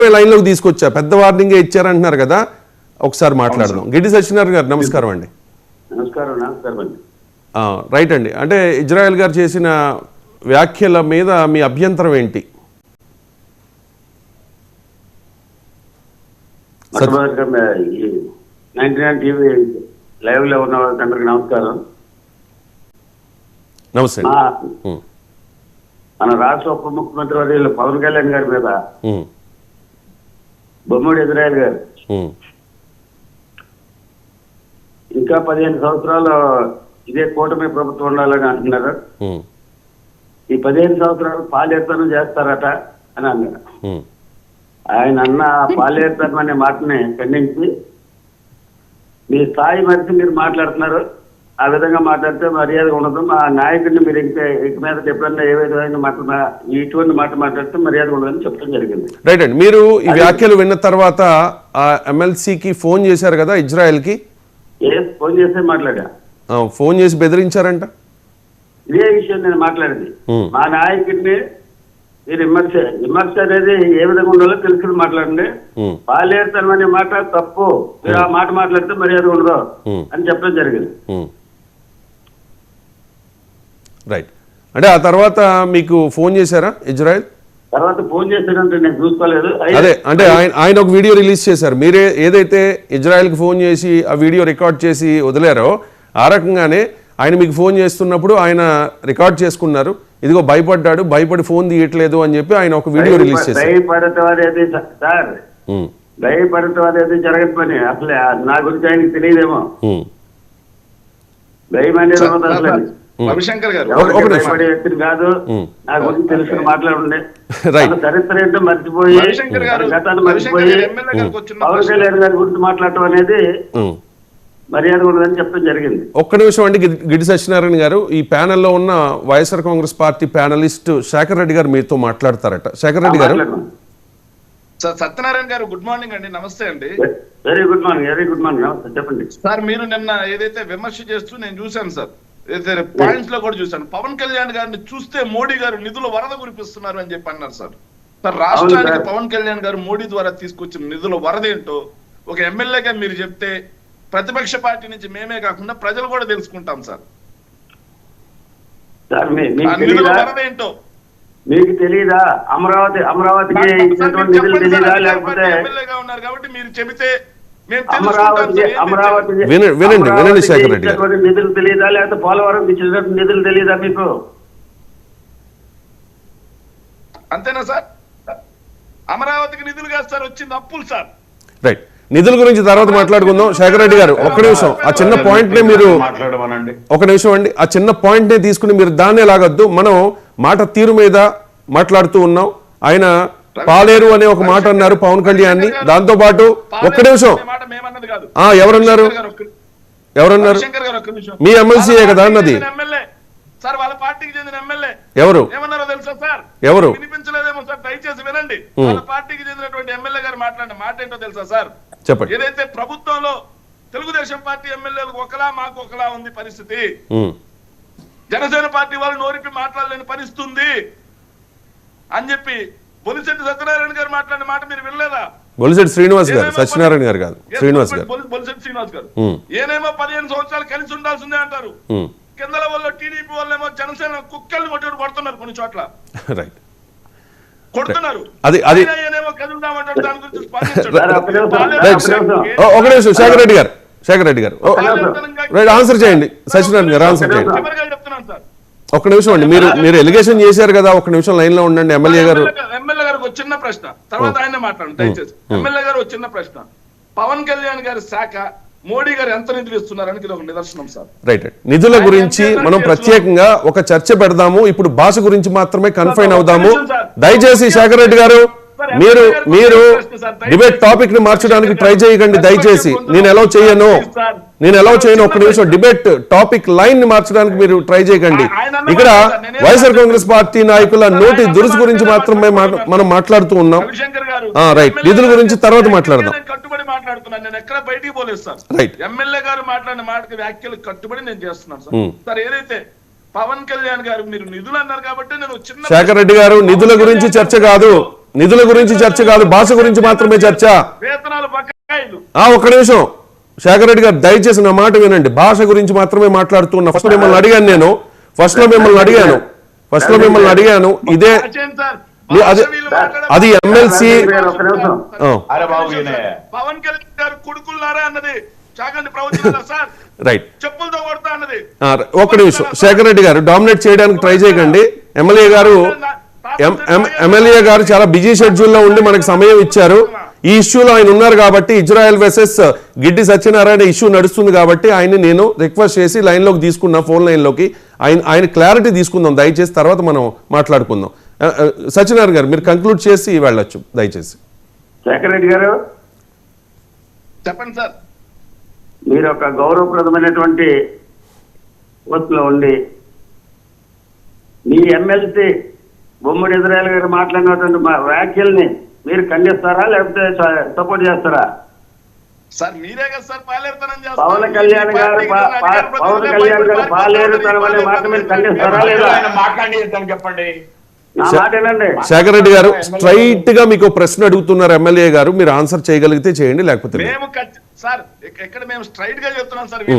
Line లోకి తీసుకొచ్చా, పెద్ద వార్నింగే ఇచ్చారంటున్నారు కదా, ఒకసారి మాట్లాడదాం. గిడ్డి సత్యనారాయణ గారు నమస్కారం అండి. రైట్ అండి. అంటే ఇజ్రాయెల్ గారు చేసిన వ్యాఖ్యల మీద మీ అభ్యంతరం ఏంటి? లైవ్ లో ఉన్న వాళ్ళందరికీ నమస్కారం. నమస్తే. మన రాష్ట్ర ఉప ముఖ్యమంత్రి వర్యులు పవన్ కళ్యాణ్ గారి మీద బొమ్మడి ఇజ్రాయెల్ గారు ఇంకా 15 సంవత్సరాలు ఇదే కూటమి ప్రభుత్వం ఉండాలని అంటున్నారు. ఈ 15 సంవత్సరాలు పాలేరుతనం చేస్తారట అని అన్నారు. ఆయన అన్న పాలేరుతనం అనే మాటని ఖండించి మీ స్థాయి మరిచి మీరు మాట్లాడుతున్నారు, ఆ విధంగా మాట్లాడితే మర్యాద ఉండదు, మా నాయకుడిని మీరు ఇక మీద ఎప్పుడన్నా ఏ విధమైన మాట ఇటువంటి మాట మాట్లాడితే మర్యాద ఉండదని చెప్పడం జరిగింది. రైట్ అండి. మీరు ఈ వ్యాఖ్యలు విన్న తర్వాత ఆ ఎమ్మెల్సీకి ఫోన్ చేశారు కదా ఇజ్రాయెల్ కి? ఫోన్ చేస్తే మాట్లాడా. ఫోన్ చేసి బెదిరించారంట. ఇదే విషయం నేను మాట్లాడింది. మా నాయకుడిని మీరు విమర్శ అనేది ఏ విధంగా ఉండాలో తెలుసుకుని మాట్లాడండి, పాలేరుతనం అనే మాట తప్పు, మీరు ఆ మాట మాట్లాడితే మర్యాద ఉండదు అని చెప్పడం జరిగింది. రైట్. అంటే ఆ తర్వాత మీకు ఫోన్ చేశారా ఇజ్రాయెల్? తర్వాత ఫోన్ చేశారంటే నేను చూసుకోలేదు. అదే అంటే ఆయన ఒక వీడియో రిలీజ్ చేశారు. మీరే ఏదైతే ఇజ్రాయెల్కి ఫోన్ చేసి ఆ వీడియో రికార్డ్ చేసి వదిలారో ఆ రకంగానే ఆయన మీకు ఫోన్ చేస్తున్నప్పుడు ఆయన రికార్డ్ చేసుకున్నారు. ఇదిగో భయపడ్డాడు, భయపడి ఫోన్ తీయట్లేదు అని చెప్పి ఆయన ఒక వీడియో రిలీజ్ చేశారు. భయపడటం అనేది సార్, భయపడటం అనేది జరగని పని. అసలు నా గురించి ఆయనకి తెలియదేమో. భయం అనేది అసలు రవిశంకర్ గారు భయపడే వ్యక్తిని కాదు. నా గురించి తెలుసుకుని మాట్లాడండి. చరిత్ర ఏంటో మర్చిపోయి గతాన్ని మర్చిపోయి పవన్ కళ్యాణ్ గారి గురించి మాట్లాడటం అనేది మర్యాద ఉండదని చెప్పడం జరిగింది. ఒక్క నిమిషం అండి. గిడ్డి సత్యనారాయణ గారు, ఈ ప్యానెల్లో ఉన్న YSR Congress party panelist Sekhar Reddy గారు మీతో మాట్లాడతారట. శేఖర్ రెడ్డి గారు. సత్యనారాయణ గారు గుడ్ మార్నింగ్ అండి. నమస్తే అండి. Very good morning. Very good morning. నమస్తే, చెప్పండి సార్. మీరు నిన్న ఏదైతే విమర్శ చేస్తూ నేను చూశాను సార్, ఏదైతే పాయింట్స్ లో కూడా చూశాను. పవన్ కళ్యాణ్ గారిని చూస్తే మోడీ గారు నిధుల వరద కురిపిస్తున్నారు అని చెప్పి అన్నారు సార్. సార్, రాష్ట్రానికి పవన్ కళ్యాణ్ గారు మోడీ ద్వారా తీసుకొచ్చిన నిధుల వరద ఏంటో ఒక ఎమ్మెల్యేగా మీరు చెప్తే ప్రతిపక్ష పార్టీ నుంచి మేమే కాకుండా ప్రజలు కూడా తెలుసుకుంటాం సార్. నిధుల వరద ఏంటో మీకు తెలియదా? అమరావతికి ఇచ్చినటువంటి నిధులు తెలియదా? లేకపోతే ఎమ్మెల్యేగా ఉన్నారు కాబట్టి మీరు చెబితే వినండి శేఖర్ రెడ్డి గారు. నిధులు తెలియదా? లేకపోతే పోలవరం ఇచ్చినటువంటి నిధులు తెలియదా మీకు? అంతేనా సార్? అమరావతికి నిధులు కాదు సార్, వచ్చింది అప్పులు సార్. రైట్. నిధుల గురించి తర్వాత మాట్లాడుకుందాం. శేఖర్ రెడ్డి గారు, ఒక్క నిమిషం. ఆ చిన్న పాయింట్ నే మీరు ఒక నిమిషం అండి, ఆ చిన్న పాయింట్ నే తీసుకుని మీరు దాన్నే లాగద్దు. మనం మాట తీరు మీద మాట్లాడుతూ ఉన్నాం. ఆయన పాలేరు అనే ఒక మాట అన్నారు పవన్ కళ్యాణ్ ని. దాంతో పాటు ఒక్క నిమిషం, ఎవరన్నారు? మీ ఎమ్మెల్సీయే కదా అన్నది. సార్, వాళ్ళ పార్టీకి చెందిన ఎమ్మెల్యే ఎవరు ఏమన్నారో తెలుసా సార్? ఎవరు వినిపించలేదేమో సార్, దయచేసి వినండి. వాళ్ళ పార్టీకి చెందినటువంటి ఎమ్మెల్యే గారు మాట్లాడిన మాట ఏంటో తెలుసా సార్? చెప్పండి. ఏదైతే ప్రభుత్వంలో తెలుగుదేశం పార్టీ ఎమ్మెల్యేలకు ఒకలా మాకు ఒకలా ఉంది పరిస్థితి, జనసేన పార్టీ వాళ్ళు నోరిపి మాట్లాడలేని పరిస్థితి ఉంది అని చెప్పి బొలిశెట్టి సత్యనారాయణ గారు మాట్లాడిన మాట మీరు వినలేదా? బొలిశెట్టి శ్రీనివాస్ గారు, సత్యనారాయణ గారు కాదు, శ్రీనివాస్ గారు. బొలిశెట్టి శ్రీనివాస్ గారు ఏనేమో 15 సంవత్సరాలు కలిసి ఉండాల్సిందే అంటారు. కింద వాళ్ళు టీడీపీ వాళ్ళేమో జనసేన కుక్కల్ని కొట్టి కొడుతున్నారు కొన్ని చోట్ల. రైట్. కొడుతున్నారు. ఒక నిమిషం శేఖర్ రెడ్డి గారు, శేఖర్ రెడ్డి గారు ఆన్సర్ చేయండి. సత్యనారాయణ గారు ఆన్సర్ చేయండి. ఒక్క నిమిషం అండి. మీరు ఎలిగేషన్ చేశారు కదా, ఒక్క నిమిషం లైన్ లో ఉండండి. ఎమ్మెల్యే గారు ఒక చిన్న ప్రశ్న, తర్వాత ఆయన మాట్లాడండి దయచేసి. ఎమ్మెల్యే గారు ఒక చిన్న ప్రశ్న. పవన్ కళ్యాణ్ గారి శాఖ మోడీ గారు ఎంత నిధులు ఇస్తున్నారని ఇది ఒక నిదర్శనం సార్. రైట్. నిధుల గురించి మనం ప్రత్యేకంగా ఒక చర్చ పెడదాము. ఇప్పుడు భాష గురించి మాత్రమే కన్ఫైన్ అవుదాము. దయచేసి శేఖర్ రెడ్డి గారు, మీరు డిబేట్ టాపిక్ ని మార్చడానికి ట్రై చేయకండి దయచేసి. నేను ఎలా చేయను. ఒక్క నిమిషం. డిబేట్ టాపిక్ లైన్ ని మార్చడానికి మీరు ట్రై చేయకండి. ఇక్కడ వైఎస్ఆర్ కాంగ్రెస్ పార్టీ నాయకుల నోటి దురుసు గురించి మాత్రమే మనం మాట్లాడుతూ ఉన్నాం. రైట్. నిధుల గురించి తర్వాత మాట్లాడదాం. కట్టుబడి మాట్లాడుతున్నాను, నేను ఎక్కడ బయటికి పోలేదు సార్. ఎమ్మెల్యే గారు మాట్లాడిన మాటకి వ్యాఖ్యలు కట్టుబడి నేను చేస్తున్నాను సార్. సార్, ఏదైతే పవన్ కళ్యాణ్ గారు మీరు నిధులు అన్నారు కాబట్టి నేను చిన్న శేఖర్ రెడ్డి గారు, నిధుల గురించి చర్చ కాదు, నిధుల గురించి చర్చ కాదు, భాష గురించి మాత్రమే చర్చ. వేతనాలు బకాయిలు. ఒక్క నిమిషం శేఖర్ రెడ్డి గారు, దయచేసి నా మాట వినండి. భాష గురించి మాత్రమే మాట్లాడుతున్నా. ఫస్ట్ మిమ్మల్ని అడిగాను నేను, ఫస్ట్ లో మిమ్మల్ని అడిగాను ఇదే అది ఎమ్మెల్సీ. ఒక్క నిమిషం. పవన్ కళ్యాణ్ గారు కొడుకున్నారా అన్నది చాగంటి ప్రవచనాలా సార్? రైట్, చెప్పులతో కొడతా అన్నది. ఒక్క నిమిషం శేఖర్ రెడ్డి గారు, డామినేట్ చేయడానికి ట్రై చేయకండి. ఎమ్మెల్యే గారు చాలా బిజీ షెడ్యూల్లో ఉండి మనకు సమయం ఇచ్చారు. ఈ ఇష్యూలో ఆయన ఉన్నారు కాబట్టి, Israel versus Giddi Satyanarayana issue నడుస్తుంది కాబట్టి ఆయన్ని నేను రిక్వెస్ట్ చేసి లైన్లోకి తీసుకున్నా, ఫోన్ లైన్లోకి. ఆయన క్లారిటీ తీసుకుందాం దయచేసి, తర్వాత మనం మాట్లాడుకుందాం. సత్యనారాయణ గారు మీరు కంక్లూడ్ చేసి వెళ్ళొచ్చు దయచేసి. శేఖర్ రెడ్డి గారు చెప్పండి సార్. మీరు ఒక గౌరవప్రదమైనటువంటి పోస్టులో ఉండి మీ ఎమ్మెల్సీ బొమ్మడి ఇజ్రాయెల్ గారు మాట్లాడినటువంటి వ్యాఖ్యల్ని మీరు ఖండిస్తారా లేకపోతే సపోర్ట్ చేస్తారా? సార్ మీరే కదా సార్ పాలేరుతనం పవన్ కళ్యాణ్ గారు పాలేరుతనం అనే మాట మీరు ఖండిస్తారా లేదా? చెప్పండి. నా మాట ఏనండి. శేఖర్ రెడ్డి గారు స్ట్రైట్ గా మీకు ప్రశ్న అడుగుతున్నారు ఎమ్మెల్యే గారు, మీరు ఆన్సర్ చేయగలిగితే చేయండి, లేకపోతే మేము సార్ ఇక్కడ మేము స్ట్రైట్ గా చెప్తున్నాం సార్.